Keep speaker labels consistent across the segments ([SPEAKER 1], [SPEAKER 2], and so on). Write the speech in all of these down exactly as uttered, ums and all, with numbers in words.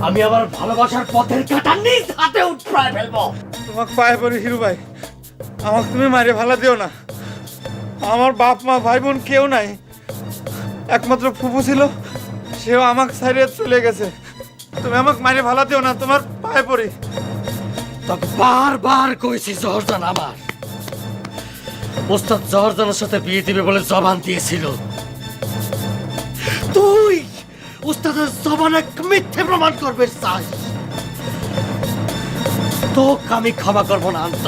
[SPEAKER 1] আমি আমার ভালোবাসার পথের কাঁটা নিজ হাতে উঠড়ায় ফেলবো।
[SPEAKER 2] তোমাকে পায়ে পড়ি হিরু ভাই, আমাকে তুমি মারে ভালা দিও না। আমার বাপ মা ভাই বোন কেউ নাই, একমাত্র ফুফু ছিল, সেও আমাকে ছাড়িয়ে চলে গেছে। তুমি আমাকে মারে ভালা দিও না, তোমার পায়ে পড়ি।
[SPEAKER 1] তোকে বারবার কইছি জহরজান আমার ওস্তাদ জহরজানের সাথে বিয়ে দিবে বলে জবান দিয়েছিল। তুই ওস্তাদের জবানে মিথ্যে প্রমাণ করবে চাস, তোকে আমি ক্ষমা করবো না। অন্ত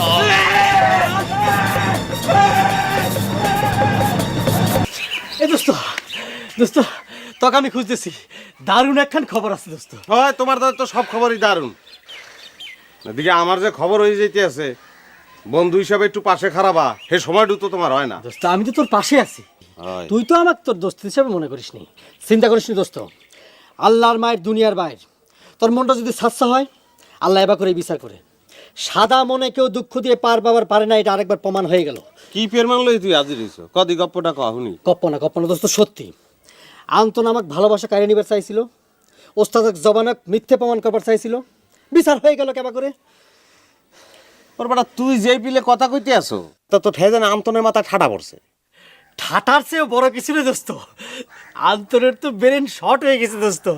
[SPEAKER 1] এই দোস্ত, দোস্ত তোকে আমি খুঁজতেছি, দারুণ একখান খবর আছে দোস্ত।
[SPEAKER 3] হয় তোমার দাদা তো সব খবরই দারুণ। এদিকে আমার যে খবর হয়ে যেতে আছে, বন্ধু হিসাবে একটু পাশে খারাপা, সে সময়টু তো তোমার হয় না।
[SPEAKER 1] দোস্ত আমি তো তোর পাশে আছি,
[SPEAKER 3] হয়।
[SPEAKER 1] তুই তো আমাকে তোর দোস্ত হিসেবে মনে করিস নি, চিন্তা করিস নি দোস্ত। আল্লাহর মায়ের দুনিয়ার বাইর, তোর মনটা যদি সাচ্চা হয় আল্লাহ এবার করে বিচার করে। সাদা মনে কেউ দুঃখ দিয়ে পার পাবার পারে না, এটা আরেকবার প্রমাণ হয়ে গেল।
[SPEAKER 3] কি ফের মানলই তুই আজি রইছ, কদি গপ্পটা কহুনি।
[SPEAKER 1] কপ্পনা কপ্পনা দোস্ত সত্যি। আন্তন আমাকে ভালোবাসা কাড়ে নিবার চাইছিল, ওস্তাদক জবানক মিথ্যে প্রমাণ করবার চাইছিল, বিচার হয়ে গেল কেবা করে।
[SPEAKER 3] ওর বেটা তুই যেই পিলে কথা কইতে আসো, তা তো ঠেজেন আমতনের মাথা ঠাডা পড়ছে।
[SPEAKER 1] ঠাটার চেয়েও বড় কিছু রে দোস্ত, আন্তরের তো ব্রেন শর্ট হয়ে গেছে দোস্ত।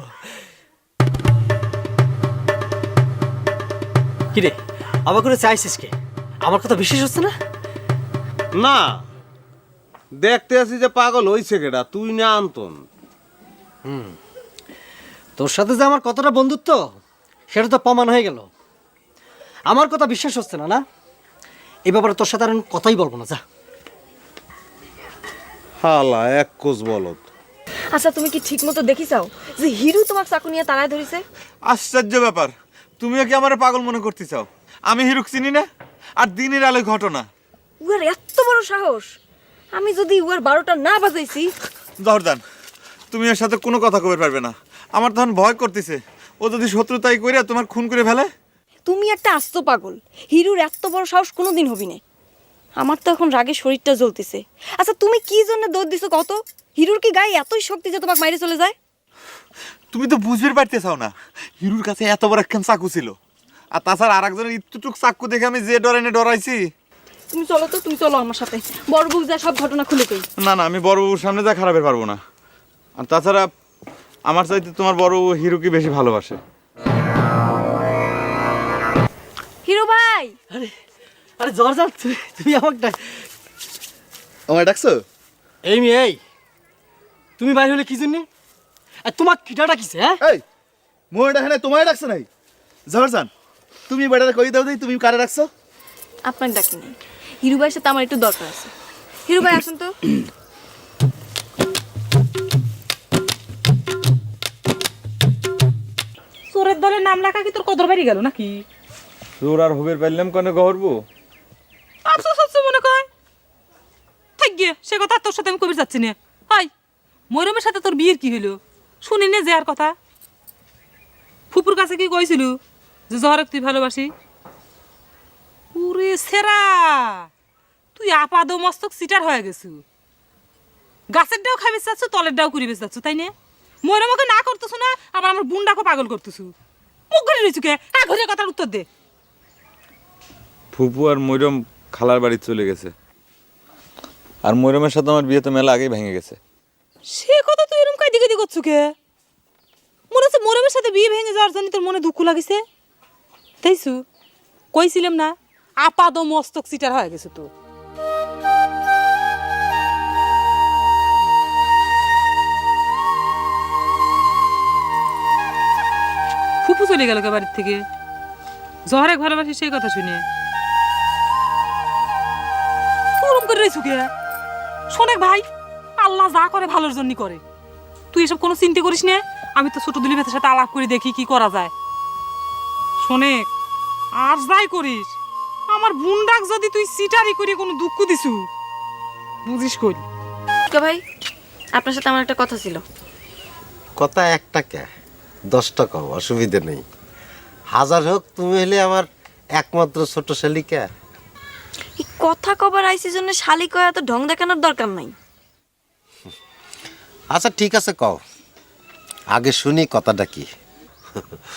[SPEAKER 1] কিরে আবার করে চাইছিস কে? আমার কথা বিশ্বাস হচ্ছে না?
[SPEAKER 3] না, দেখতে আছি যে পাগল হইছে কেডা, তুই না আন্তন।
[SPEAKER 1] তোর সাথে যে আমার কতটা বন্ধুত্ব সেটা তো প্রমাণ হয়ে গেল। আমার কথা বিশ্বাস হচ্ছে না না? এই ব্যাপারে তোর সাথে আর আমি কথাই বলবো না, যা।
[SPEAKER 3] হালা এক কোষ বলত।
[SPEAKER 4] আচ্ছা তুমি কি ঠিক মতো দেখি চাও যে হিরু তোমার চাকু নিয়ে তাড়ায় ধরেছে?
[SPEAKER 2] আশ্চর্য ব্যাপার, তুমিও কি আমার পাগল মনে করতে চাও? আমি হিরুক চিনি না, আর দিনের আলোয় ঘটনা।
[SPEAKER 4] উয়ার এত বড় সাহস! আমি যদি উয়ার বারোটা না বাজাইছি।
[SPEAKER 2] জহরজান, তুমি এর সাথে কোনো কথা কবে পারবে না। আমার তখন ভয় করতেছে, ও যদি শত্রুতাই করে তোমার খুন করে ফেলে।
[SPEAKER 4] তুমি একটা আস্ত পাগল, হিরুর এত বড় সাহস কোনোদিন হবি না। আমার তো এখন রাগে শরীরটা জ্বলতেছে। আচ্ছা তুমি কি জন্য দৌড় দিছো কত? হিরুর কি গায়ে এতই শক্তি যে তোমাকে মাইরে চলে যায়?
[SPEAKER 2] তুমি তো বুঝতে পারতে চাও না, হিরুর কাছে এত বড় একখান চাকু ছিল, আর তাছাড়া আর একজনের ইত্যুটুক চাকু দেখে আমি যে ডরাইনে ডরাইছি।
[SPEAKER 4] তুমি চলো তো, তুমি চলো আমার সাথে, বড় বউ যা সব ঘটনা খুলে কই।
[SPEAKER 2] না না, আমি বড় বাবুর সামনে যা খারাপের পারবো না। আর তাছাড়া আমার চাইতে তোমার বড় বউ হিরুকে বেশি ভালোবাসে।
[SPEAKER 4] হিরু ভাই!
[SPEAKER 1] আরে আরে জহরজান, তুমি তুমি আমাকে ডাক-
[SPEAKER 5] আমায় ডাকছো?
[SPEAKER 1] এই মেয়ে, এই তুমি বাইরে হলে কি জন্য? আর তোমার কিটা ডাকিছে? হ্যাঁ
[SPEAKER 5] এই মোয় ডাকে নাই, তোমায় ডাকছে নাই? জহরজান, তুমি বেটারে কই দাও দেই, তুমি কারে ডাকছো?
[SPEAKER 4] আপনার ডাকি নাই, হিরু ভাইয়ের সাথে আমার একটু দরকার আছে। হিরু ভাই আসুন তো।
[SPEAKER 6] চোরের দলের নাম লেখা কি তোর কদর বাড়ি গেল নাকি?
[SPEAKER 2] তোর আর হবের পারলাম কেন গহরবো?
[SPEAKER 6] আফসোস হচ্ছে মনে কর। থাক গিয়ে সে কথা তোর সাথে আমি কবির যাচ্ছি না। হাই, ময়রমের সাথে তোর বিয়ের কি হলো শুনি নে যে আর কথা। ফুপুর কাছে কি কইছিল যে জহরক তুই ভালোবাসি? ওরে সেরা, তুই আপাদ মস্তক সিটার হয়ে গেছু। গাছের ডাও খাইবে চাচ্ছ, তলের ডাও করিবে চাচ্ছ, তাই না? ময়রমকে না করতেছ না, আবার আমার বুনডাকে পাগল করতেছু। মুখ ঘুরে রয়েছু কে? হ্যাঁ, ঘুরে কথার উত্তর দে।
[SPEAKER 2] ফুপু আর ময়রম খালার বাড়ি চলে গেছে, আর ময়রমের সাথে আমার বিয়ে তো মেলা আগেই ভেঙে গেছে।
[SPEAKER 6] সে কথা তুই এরকম কাইদি কাইদি করছু কে? মনে হচ্ছে মরমের সাথে বিয়ে ভেঙে যাওয়ার জন্য তোর মনে দুঃখ লাগিছে, তাইছু? কইছিলাম না আপাদ মস্তক সিটার হয়ে গেছে তো। ফুপু চলে গেল কে বাড়ির থেকে? জহরে ভালোবাসি সেই কথা শুনে ওরম করে রয়েছু কে? শোনেক ভাই, আল্লাহ যা করে ভালোর জন্য করে। তুই এসব কোনো চিন্তা করিস না, আমি তো ছোট দুলি ভেতের সাথে আলাপ করে দেখি কি করা যায়। শোনেক, আর যাই করিস, আমার বুনডাক যদি তুই সিটারি করে কোনো দুঃখ দিছু, বুঝিস করি।
[SPEAKER 4] ভাই আপনার সাথে আমার একটা কথা ছিল।
[SPEAKER 7] কথা একটা কে, দশটা কও, অসুবিধে নেই। হাজার হোক, তুমি হলে আমার একমাত্র ছোট শালিকা।
[SPEAKER 4] এই কথা কবার আইসি জন্য শালি কয়া তো ঢং দেখানোর দরকার নাই।
[SPEAKER 7] আচ্ছা ঠিক আছে, কও, আগে শুনি কথাটা কি।